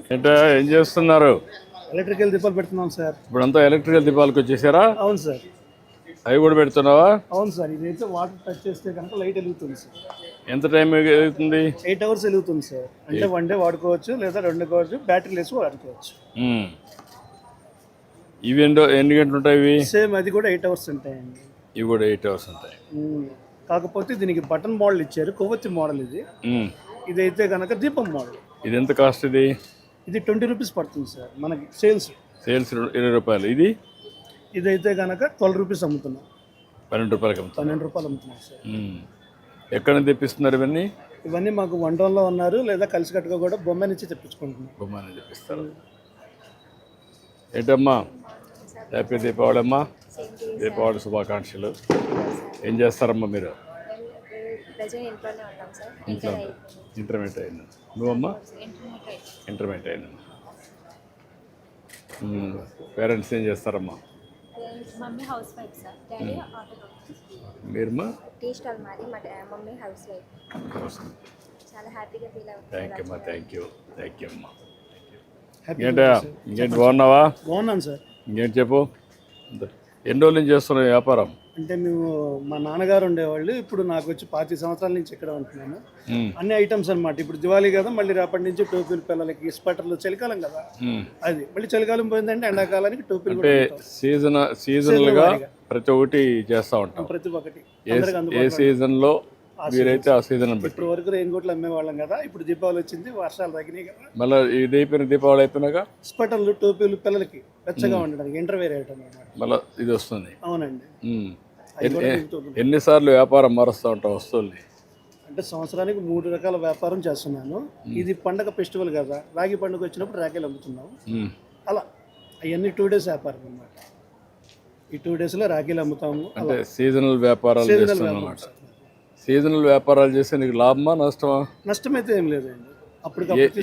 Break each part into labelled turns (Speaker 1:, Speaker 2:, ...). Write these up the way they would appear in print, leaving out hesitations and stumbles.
Speaker 1: ఏంటో ఏం చేస్తున్నారు?
Speaker 2: ఎలక్ట్రికల్ దీపాలు పెడుతున్నాం సార్.
Speaker 1: ఇప్పుడంతా ఎలక్ట్రికల్ దీపాలకు వచ్చేసారా?
Speaker 2: అవును సార్.
Speaker 1: అవి కూడా పెడుతున్నావా?
Speaker 2: అవును సార్. ఇదైతే వాటర్ టచ్ చేస్తే కనుక లైట్ వెలుగుతుంది సార్.
Speaker 1: ఎంత టైం అవుతుంది?
Speaker 2: 8 hours వెలుగుతుంది సార్. అంటే 1 day వాడుకోవచ్చు లేదా 2 వాడుకోవచ్చు, బ్యాటరీ లేసి వాడుకోవచ్చు.
Speaker 1: ఇవి ఎన్ని గంటలు ఉంటాయి? ఇవి
Speaker 2: సేమ్ అది కూడా 8 hours ఉంటాయండి.
Speaker 1: ఇవి కూడా 8 hours ఉంటాయి.
Speaker 2: కాకపోతే దీనికి బటన్ మోడల్ ఇచ్చారు, కొవ్వొత్తి మోడల్ ఇది. ఇదైతే కనుక దీపం మోడల్.
Speaker 1: ఇది ఎంత కాస్ట్?
Speaker 2: ఇది 20 rupees పడుతుంది సార్ మనకి సేల్స్
Speaker 1: 20 రూపాయలు.
Speaker 2: ఇదైతే కనుక 12 rupees అమ్ముతున్నాం.
Speaker 1: 12 రూపాయలకి అమ్ముతాం.
Speaker 2: 12 రూపాయలు అమ్ముతున్నాం సార్.
Speaker 1: ఎక్కడ నుంచి తెప్పిస్తున్నారు ఇవన్నీ?
Speaker 2: ఇవన్నీ మాకు వంటంలో ఉన్నారు, లేదా కలిసికట్టుగా కూడా బొమ్మ నుంచి తెప్పించుకుంటున్నాం.
Speaker 1: బొమ్మ నుంచి తెప్పిస్తారు. ఏంటమ్మా, హ్యాపీ దీపావళి అమ్మా. దీపావళి శుభాకాంక్షలు. ఏం చేస్తారమ్మా మీరు? ఇంట్లో ఇంటర్మీడియట్ అయినా నువ్వమ్మా? ఇంటర్మీడియట్ అయినా. పేరెంట్స్ ఏం చేస్తారమ్మా?
Speaker 3: Mummy housewife sir, daddy auto.
Speaker 1: మీరమ్మా?
Speaker 3: టీ స్టాల్ మాది, మా మమ్మీ హౌస్ వైఫ్. చాలా హ్యాపీగా ఫీల్ అవుతుంది.
Speaker 1: థ్యాంక్ యూ అమ్మా. ఇంకేంటి బాగున్నావా?
Speaker 2: బాగున్నాను సార్.
Speaker 1: ఇంకేంటి చెప్పు. ఎన్ని రోజుల నుంచి చేస్తున్నావు వ్యాపారం?
Speaker 2: అంటే మేము మా నాన్నగారు ఉండేవాళ్ళు, ఇప్పుడు నాకు వచ్చి 25 సంవత్సరాల నుంచి ఇక్కడ ఉంటున్నాను. అన్ని ఐటమ్స్ అనమాట. ఇప్పుడు దివాళీ కదా, మళ్ళీ రేపటి నుంచి టోపీలు పిల్లలకి, స్వెటర్లు, చలికాలం కదా అది, మళ్ళీ చలికాలం పోయిందంటే ఎండాకాలానికి టోపీలు.
Speaker 1: అంటే సీజనల్ గా ప్రతి ఒక్కటి చేస్తా ఉంటాం.
Speaker 2: ప్రతి ఒక్కటి
Speaker 1: ఏ సీజన్ లో మీరైతే ఆ సీజన్
Speaker 2: ఇప్పుడు వరకు రెయిన్ కోట్లు అమ్మేవాళ్ళం కదా, ఇప్పుడు దీపావళి వచ్చింది, వర్షాలు తగ్గినాయి కదా,
Speaker 1: మళ్ళీ ఇది అయిపోయిన దీపావళి అయిపోయినాక
Speaker 2: స్వెటర్లు, టోపీలు పిల్లలకి వెచ్చగా ఉండడానికి ఇంటర్వేర్ ఐటమ్ అన్నమాట.
Speaker 1: మళ్ళీ ఇది వస్తుంది.
Speaker 2: అవునండి.
Speaker 1: ఎన్నిసార్లు వ్యాపారం మారుస్తూ ఉంటాం వస్తువుల్ని?
Speaker 2: అంటే సంవత్సరానికి 3 రకాల వ్యాపారం చేస్తున్నాను. ఇది పండగ ఫెస్టివల్ కదా, రాగి పండుగ వచ్చినప్పుడు రాఖీలు అమ్ముతున్నాం. అలా అవన్నీ 2 days వ్యాపారం అన్నమాట. ఈ 2 days లో రాఖీలు అమ్ముతాము.
Speaker 1: అంటే సీజనల్ వ్యాపారాలు చేస్తున్నాం. సీజనల్ వ్యాపారాలు చేస్తే నీకు లాభమా నష్టమా?
Speaker 2: నష్టం అయితే ఏం లేదండి. అప్పుడు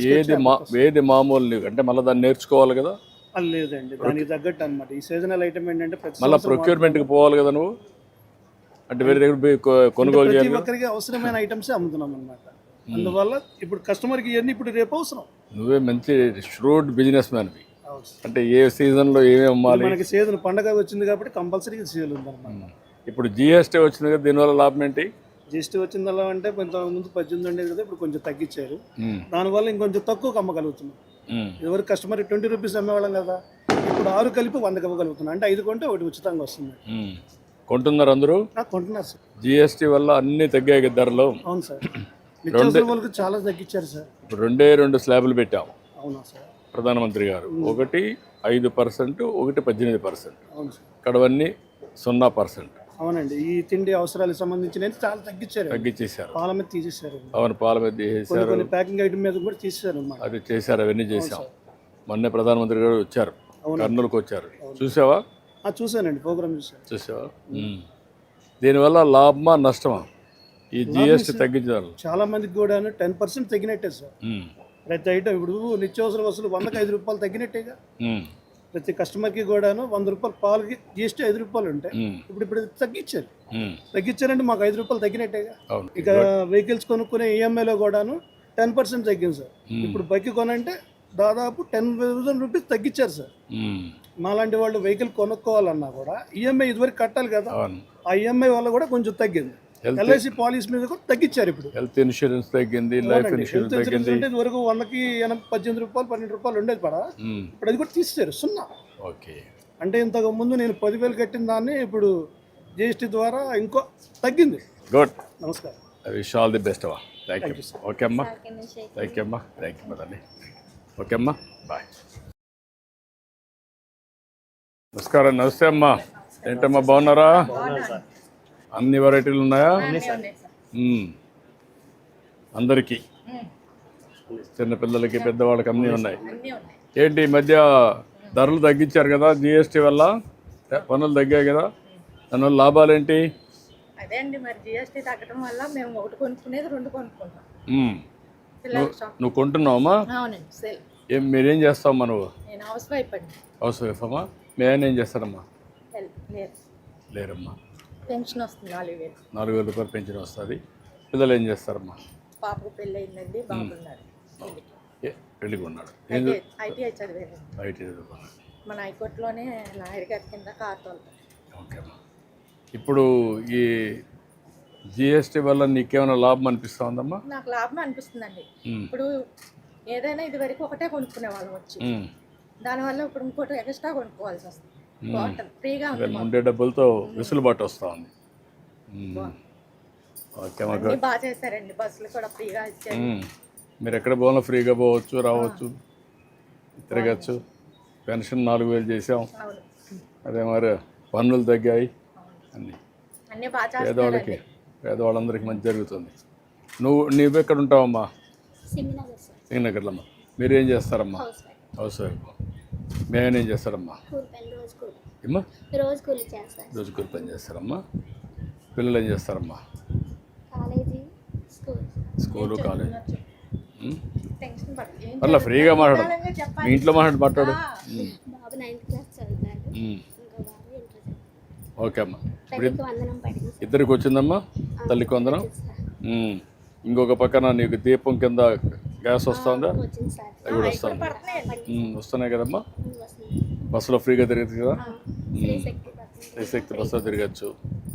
Speaker 1: ఏది మామూలు నీకు అంటే మళ్ళీ దాన్ని నేర్చుకోవాలి కదా?
Speaker 2: లేదండి, దానికి తగ్గట్టు అనమాట. ఈ సీజనల్ ఐటమ్ ఏంటంటే
Speaker 1: మళ్ళీ ప్రొక్యూర్మెంట్కి పోవాలి కదా నువ్వు, అంటే వేరే దగ్గర కొనుగోలు చేయాలి.
Speaker 2: ప్రతి ఒక్కరికి అవసరమైన ఐటమ్స్ అమ్ముతున్నాం అనమాట. అందువల్ల ఇప్పుడు కస్టమర్కి ఇవన్నీ ఇప్పుడు రేపు అవసరం.
Speaker 1: నువ్వే మంచి ష్రూడ్ బిజినెస్ మ్యాన్వి. అంటే ఏ సీజన్లో ఏమేమి అమ్మాలి?
Speaker 2: మనకి సీజన్ పండగ వచ్చింది కాబట్టి కంపల్సరీ సీజన్ ఉందన్నమాట.
Speaker 1: ఇప్పుడు జిఎస్టీ వచ్చింది కదా, దీనివల్ల లాభం ఏంటి?
Speaker 2: జిఎస్టీ వచ్చిందల్లా అంటే ముందు 18 ఉండేది కదా, ఇప్పుడు కొంచెం తగ్గించారు. దానివల్ల ఇంకొంచెం తక్కువ అమ్మగలుగుతున్నాం. ఎవరికి కస్టమర్ 20 rupees అమ్మేవాళ్ళం కదా, ఇప్పుడు 6 కలిపి 100 ఇవ్వగలుగుతున్నాం. అంటే 5 కొంటే 1 ఉచితంగా వస్తుంది.
Speaker 1: కొంటున్నారు అందరూ?
Speaker 2: కొంటున్నారు సార్.
Speaker 1: జిఎస్టీ వల్ల అన్ని తగ్గాయి ధరలు.
Speaker 2: అవును సార్. నిత్యావసర వాళ్ళకి చాలా తగ్గించారు సార్.
Speaker 1: ఇప్పుడు 2 స్లాబ్లు పెట్టాము.
Speaker 2: అవునా సార్?
Speaker 1: ప్రధానమంత్రి గారు ఒకటి 5%, ఒకటి 18%.
Speaker 2: అవును సార్.
Speaker 1: ఇక్కడవన్నీ 0%.
Speaker 2: అవునండి. ఈ తిండి అవసరాలకు సంబంధించిన చాలా తగ్గించేశారు. పాల మీద తీసేశారు.
Speaker 1: అవును, పాల మీద తీసేశారు.
Speaker 2: కొన్ని ప్యాకింగ్ ఐటమ్ మీద కూడా తీసేశారు.
Speaker 1: అది చేశారు, అవన్నీ చేశాం. మొన్నే ప్రధానమంత్రి గారు వచ్చారు, కర్నూలుకు వచ్చారు. చూసావా?
Speaker 2: చూసానండి, ప్రోగ్రామ్
Speaker 1: చూసావా? దీనివల్ల లాభమా నష్టమా ఈ జిఎస్టీ తగ్గించారు?
Speaker 2: చాలా మందికి కూడా 10% తగ్గినట్టే సార్. ప్రతి ఐటమ్ ఇప్పుడు నిత్యావసర వస్తువులు 100కి 5 రూపాయలు తగ్గినట్టేగా. ప్రతి కస్టమర్కి కూడాను 100 రూపాయలు పాలకి జిఎస్టీ 5 రూపాయలు ఉంటాయి. ఇప్పుడు తగ్గించారంటే మాకు 5 రూపాయలు తగ్గినట్టేగా. ఇక వెహికల్స్ కొనుక్కునే ఈఎంఐలో కూడాను 10% తగ్గింది సార్. ఇప్పుడు బైక్ కొనంటే దాదాపు 10,000 rupees తగ్గించారు సార్. మాలాంటి వాళ్ళు వెహికల్ కొనుక్కోవాలన్నా కూడా ఈఎంఐ ఇదివరకు కట్టాలి కదా, ఆ ఈఎంఐ వల్ల కూడా కొంచెం తగ్గింది. ఎల్ఐసి పాలసీ మీద కూడా తగ్గించారు. ఇప్పుడు
Speaker 1: హెల్త్ ఇన్సూరెన్స్ తగ్గింది, లైఫ్ ఇన్సూరెన్స్ తగ్గింది.
Speaker 2: అంటే ఇదివరకు 100కి 18 రూపాయలు 12 రూపాయలు ఉండేది పడా, ఇప్పుడు అది కూడా తీసేశారు 0.
Speaker 1: ఓకే.
Speaker 2: అంటే ఇంతకు ముందు నేను 10,000 కట్టిన దాన్ని ఇప్పుడు జిఎస్టీ ద్వారా ఇంకో తగ్గింది.
Speaker 1: గుడ్.
Speaker 2: నమస్కారం.
Speaker 1: I wish all the best అమ్మా. Thank you. ఓకే అమ్మా, థ్యాంక్ యూ అమ్మా. థ్యాంక్ యూ మదండి. ఓకే అమ్మా, బాయ్. నమస్కారం. నమస్తే అమ్మా. ఏంటమ్మా, బాగున్నారా? అన్ని వెరైటీలు ఉన్నాయా? అందరికీ, చిన్నపిల్లలకి పెద్దవాళ్ళకి అన్నీ ఉన్నాయి. ఏంటి ఈ మధ్య ధరలు తగ్గించారు కదా, జిఎస్టీ వల్ల పనులు తగ్గాయి కదా, దానివల్ల లాభాలు ఏంటి?
Speaker 4: అదే అండి, మరి జిఎస్టీ తగ్గడం వల్ల మేము ఒకటి కొనుక్కునేది 2 కొనుక్కుంటాం.
Speaker 1: నువ్వు కొంటున్నావమ్మా?
Speaker 4: అవునండి.
Speaker 1: సేల్. మీరేం చేస్తావమ్మా నువ్వు?
Speaker 4: నేను హౌస్ వైఫ్ అండి.
Speaker 1: హౌస్ వైఫ్ అమ్మా. మీ ఆయన ఏం చేస్తారమ్మా? లేరమ్మా.
Speaker 4: పెన్షన్ వస్తుంది 4,000.
Speaker 1: 4,000 రూపాయలు పెన్షన్ వస్తుంది. పిల్లలు ఏం చేస్తారమ్మా?
Speaker 4: పాపకు పెళ్ళి అయిందండి, బాబు ఉన్నారు.
Speaker 1: పెళ్ళికి ఉన్నాడు.
Speaker 4: ఐటీఐ చదివారు.
Speaker 1: ఐటీ చదువుకున్నాడు.
Speaker 4: మన హైకోర్టులోనే లాయర్ గారి కింద కార్ తోలుతారు.
Speaker 1: ఓకే అమ్మా. ఇప్పుడు ఈ జిఎస్టీ వల్ల నీకేమైనా లాభం అనిపిస్తూ ఉందమ్మా?
Speaker 4: నాకు లాభం అనిపిస్తుందండి. ఇప్పుడు ఏదైనా ఇది వరకు ఒకటే కొనుక్కునే వాళ్ళం వచ్చి, దానివల్ల ఇప్పుడు ఇంకోటి ఎక్స్ట్రా కొనుక్కోవాల్సి వస్తుంది. బాగుంటుంది, ఫ్రీగా ఉంది.
Speaker 1: ఉండే డబ్బులతో వెసులుబాటు వస్తూ ఉంది. ఓకే అమ్మా.
Speaker 4: అన్నీ బాగా చేశారండి. బస్సులు కూడా ఫ్రీగా ఇచ్చారు.
Speaker 1: మీరు ఎక్కడ పోవాలో ఫ్రీగా పోవచ్చు, రావచ్చు, తిరగచ్చు. పెన్షన్ 4,000 చేసాం.
Speaker 4: అవును,
Speaker 1: అదే మరి పన్నులు తగ్గాయి.
Speaker 4: అన్నీ బాగా
Speaker 1: పేదవాళ్ళకి, పేదవాళ్ళందరికీ మంచి జరుగుతుంది. నువ్వు ఎక్కడ ఉంటావమ్మా?
Speaker 3: సింగనగర్ సార్.
Speaker 1: సింగనగర్లో అమ్మా. మీరేం చేస్తారమ్మా? Housewife. మేమేం చేస్తారమ్మా? ఏమ్మా?
Speaker 3: రోజు కూలి చేస్తాను.
Speaker 1: రోజు కూలి పని చేస్తారమ్మా. పిల్లలు ఏం చేస్తారమ్మా?
Speaker 3: College,
Speaker 1: school, college.
Speaker 4: టెన్షన్ పడదు.
Speaker 1: అలా ఫ్రీగా మాట్లాడు. మీ ఇంట్లో మాట్లాడు.
Speaker 3: బాబు 9th క్లాస్ చదువుతాడు. ఇంకా బాబు ఇంటర్ చదువుతాడు.
Speaker 1: ఓకే అమ్మా.
Speaker 3: తల్లికి వందనం పడింది.
Speaker 1: ఇద్దరికి వచ్చిందమ్మా? తల్లికి వందనం. ఇంకొక పక్కన నీకు దీపం కింద గ్యాస్ వస్తుందా?
Speaker 3: వచ్చింది సార్.
Speaker 1: అవి కూడా వస్తుంది. వస్తున్నాయి కదమ్మా. బస్సులో ఫ్రీగా తిరగచ్చు కదా. శ్రీశక్తి బస్సులో తిరగచ్చు.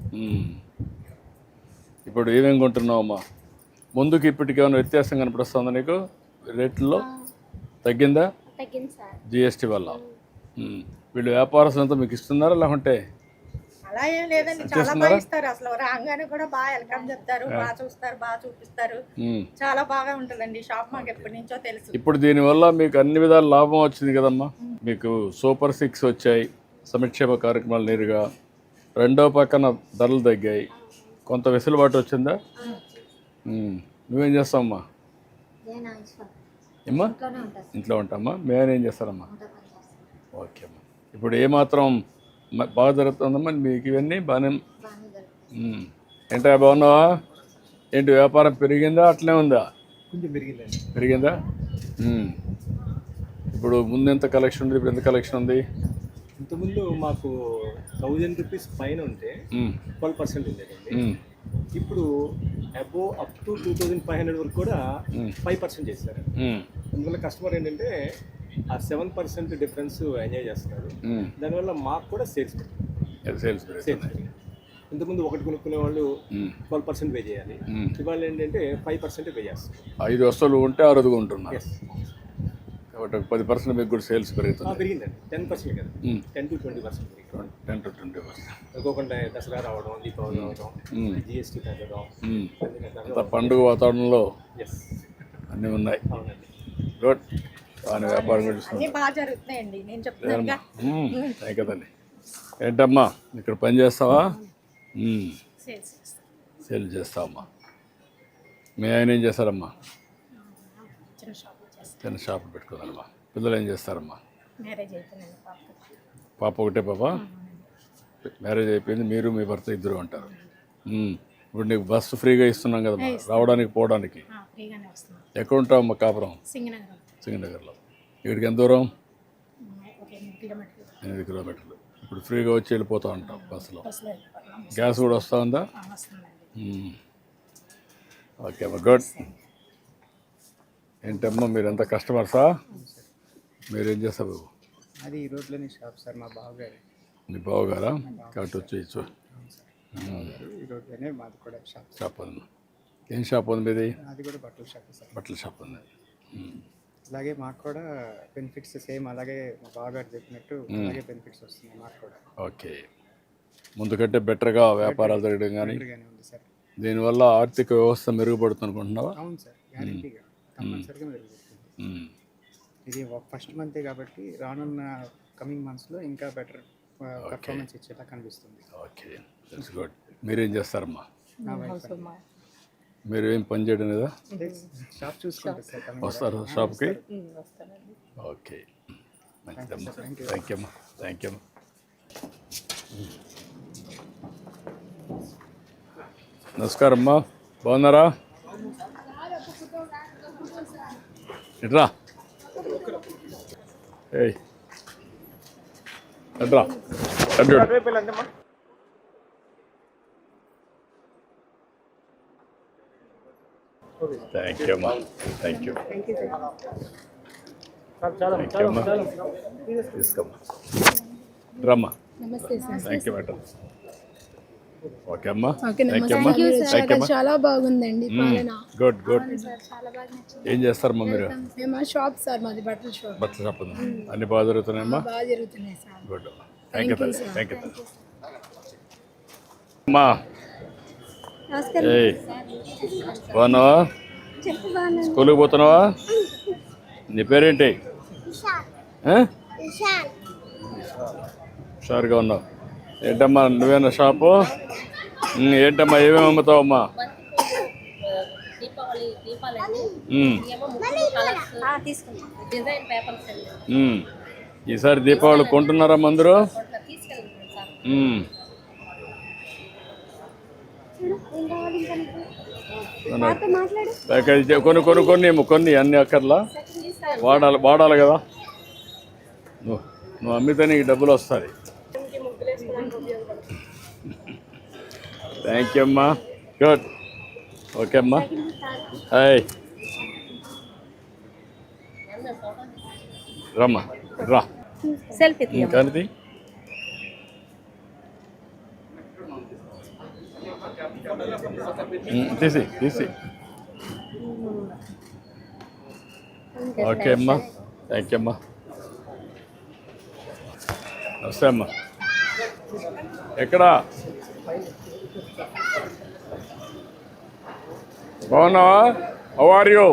Speaker 1: ఇప్పుడు ఏమేమి కొంటున్నావమ్మా? ముందుకి ఇప్పటికి ఏమైనా వ్యత్యాసం కనపడుస్తుందా నీకు? రేట్లలో తగ్గిందా?
Speaker 3: తగ్గింది సార్.
Speaker 1: జిఎస్టీ వల్ల. వీళ్ళు వ్యాపారస్తులంతా మీకు ఇస్తున్నారా లేకుంటే?
Speaker 4: అలా ఏం లేదండి, చాలా బాగా ఇస్తారు. అసలు రాగానే కూడా బాగా వెల్కమ్ చెప్తారు, బాగా చూస్తారు, బాగా చూపిస్తారు. చాలా బాగా ఉంటుందండి షాప్. మాకు ఎప్పటి నుంచో తెలుసు.
Speaker 1: ఇప్పుడు దీనివల్ల మీకు అన్ని విధాల లాభం వచ్చింది కదమ్మా. మీకు సూపర్ 6 వచ్చాయి, సంక్షేమ కార్యక్రమాలు నేరుగా. రెండో పక్కన ధరలు తగ్గాయి, కొంత వెసులుబాటు వచ్చిందా? నువ్వేం చేస్తావమ్మా? ఏమ్మా? ఇంట్లో ఉంటామా. మేమేం చేస్తారమ్మా? ఓకే అమ్మా. ఇప్పుడు ఏమాత్రం బాగా జరుగుతుందమ్మా మీకు? ఇవన్నీ బాగానే. ఏంటా, బాగున్నావా? ఏంటి వ్యాపారం పెరిగిందా అట్లే ఉందా?
Speaker 2: కొంచెం
Speaker 1: పెరిగిందా? ఇప్పుడు ముందు ఎంత కలెక్షన్ ఉంది, ఇప్పుడు ఎంత కలెక్షన్ ఉంది?
Speaker 5: ఇంతకుముందు మాకు 1000 రూపీస్ పైన ఉంటే 12% ఉండేదండి. ఇప్పుడు అబోవ్ అప్ టు 2500 వరకు కూడా 5% చేశారు. అందువల్ల కస్టమర్ ఏంటంటే ఆ 7% డిఫరెన్స్ ఎంజాయ్ చేస్తున్నారు. దానివల్ల మాకు కూడా సేల్స్ ఇంతకుముందు ఒకటి కొనుక్కునే వాళ్ళు 12% పే చేయాలి. ఇవాళ ఏంటంటే 5% పే చేస్తారు.
Speaker 1: 5 వస్తువులు ఉంటే 6 ఉంటున్నారు కాబట్టి 10% మీకు కూడా సేల్స్ పెరుగుతుంది.
Speaker 5: పెరిగిందండి. 10% కదా, 10 to 20% పెరిగింది.
Speaker 1: 10 to 20%.
Speaker 5: అనుకోకుండా దసరా రావడం, దీపావళి రావడం, జిఎస్టీ తగ్గడం,
Speaker 1: పండుగ వాతావరణంలో
Speaker 5: ఎస్
Speaker 1: అన్నీ ఉన్నాయి.
Speaker 5: అవునండి.
Speaker 1: గుడ్. దాని వ్యాపారం కూడా
Speaker 4: అన్నీ బాగా జరుగుతున్నాయండి. నేను చెప్తున్నాను
Speaker 1: కదండి. ఏంటమ్మా ఇక్కడ పని చేస్తావా? సేల్ చేస్తావమ్మా. మీ ఆయన ఏం చేస్తారమ్మా? చిన్న షాపులు పెట్టుకుందమ్మా. పిల్లలు ఏం చేస్తారమ్మా?
Speaker 4: మ్యారేజ్ అయిపోయింది.
Speaker 1: పాప ఒకటే పాప? మ్యారేజ్ అయిపోయింది. మీరు మీ భర్త ఇద్దరు ఉంటారు. ఇప్పుడు నీకు బస్సు ఫ్రీగా ఇస్తున్నాం కదమ్మా రావడానికి పోవడానికి. ఎక్కడ ఉంటావమ్మా? కాపురం సింగనగర్లో. ఇక్కడికి ఎంత దూరం? 8 కిలోమీటర్లు. ఇప్పుడు ఫ్రీగా వచ్చి వెళ్ళిపోతూ ఉంటాం బస్సులో. గ్యాస్ కూడా వస్తూ ఉందా? ఓకే అమ్మా, గుడ్. ఏంటమ్మా మీరు ఎంత కస్టమర్సా? మీరేం చేస్తారు?
Speaker 6: అది ఈ రోడ్లోనే షాప్ సార్, మా బావగారు.
Speaker 1: మీ బావగారా? కాబట్టి వచ్చేయచ్చు.
Speaker 6: ఈ రోడ్లోనే మాది కూడా
Speaker 1: షాప్ ఉంది. ఏం షాప్ ఉంది మీది?
Speaker 6: అది కూడా బట్టల షాప్ సార్.
Speaker 1: బట్టల షాప్ ఉంది.
Speaker 6: అలాగే మాకు కూడా బెనిఫిట్స్ సేమ్ అలాగే మా బావగారు చెప్పినట్టు అలాగే బెనిఫిట్స్ వస్తున్నాయి మాకు కూడా.
Speaker 1: ఓకే. ముందు కంటే బెటర్గా వ్యాపారాలు జరగడం కానీ
Speaker 6: ఉంది సార్.
Speaker 1: దీనివల్ల ఆర్థిక వ్యవస్థ మెరుగుపడుతుంది అనుకుంటున్నావా?
Speaker 6: అవును సార్, గ్యారెంటీగా కంపల్సరీగా మెరుగుపడుతుంది. ఇది ఫస్ట్ మంతే కాబట్టి రానున్న కమింగ్ మంత్స్లో ఇంకా బెటర్ పర్ఫార్మెన్స్ ఇచ్చేలా కనిపిస్తుంది.
Speaker 1: Okay, that's good. మీరేం చేస్తారమ్మా? మీరు ఏం పని చేయడం లేదా?
Speaker 6: షాప్ చూసుకుంటారు సార్.
Speaker 1: వస్తారు షాప్కి? ఓకే, మంచిదమ్మా. థ్యాంక్ యూ అమ్మా. థ్యాంక్ యూ అమ్మా. నమస్కారం అమ్మా, బాగున్నారా? ఎట్రా ఏయ్ ఎట్రా అడ్డు థ్యాంక్ యూ అమ్మా, థ్యాంక్ యూ. థ్యాంక్ యూ అమ్మా, తీసుకోమ్మా, రమ్మా. Thank you madam. ఓకే అమ్మా, థ్యాంక్ యూ అమ్మా, థ్యాంక్ యూ అమ్మా.
Speaker 7: చాలా బాగుందండి పాలన.
Speaker 1: Good good. ఏం చేస్తారమ్మా మీరు?
Speaker 7: మేము షాప్ సార్, మాది బట్టల షాప్.
Speaker 1: బట్టల షాప్ ఉంది. అన్ని బాగా జరుగుతున్నాయమ్మా?
Speaker 7: బాగా జరుగుతున్నాయి sir.
Speaker 1: Good. Thank you thank you అమ్మా. ఏయ్, బాగున్నావా? స్కూల్కి పోతున్నావా? నీ పేరేంటి? హుషారుగా ఉన్నావు. ఏంటమ్మా నువ్వేనా షాపు? ఏంటమ్మా ఏమేమి అమ్ముతావమ్మా? ఈసారి దీపావళి కొంటున్నారా అందరూ? కొన్ని అన్ని అక్కర్లా వాడాలి కదా. నువ్వు అమ్మితే నీకు డబ్బులు వస్తాయి. థ్యాంక్ యూ అమ్మా. గుడ్. ఓకే అమ్మా. హాయ్, రమ్మా, రా. కానీ తీసి. ఓకే అమ్మా, థ్యాంక్ యూ అమ్మా. నమస్తే అమ్మా. ఎక్కడా బాగున్నావా? How are you?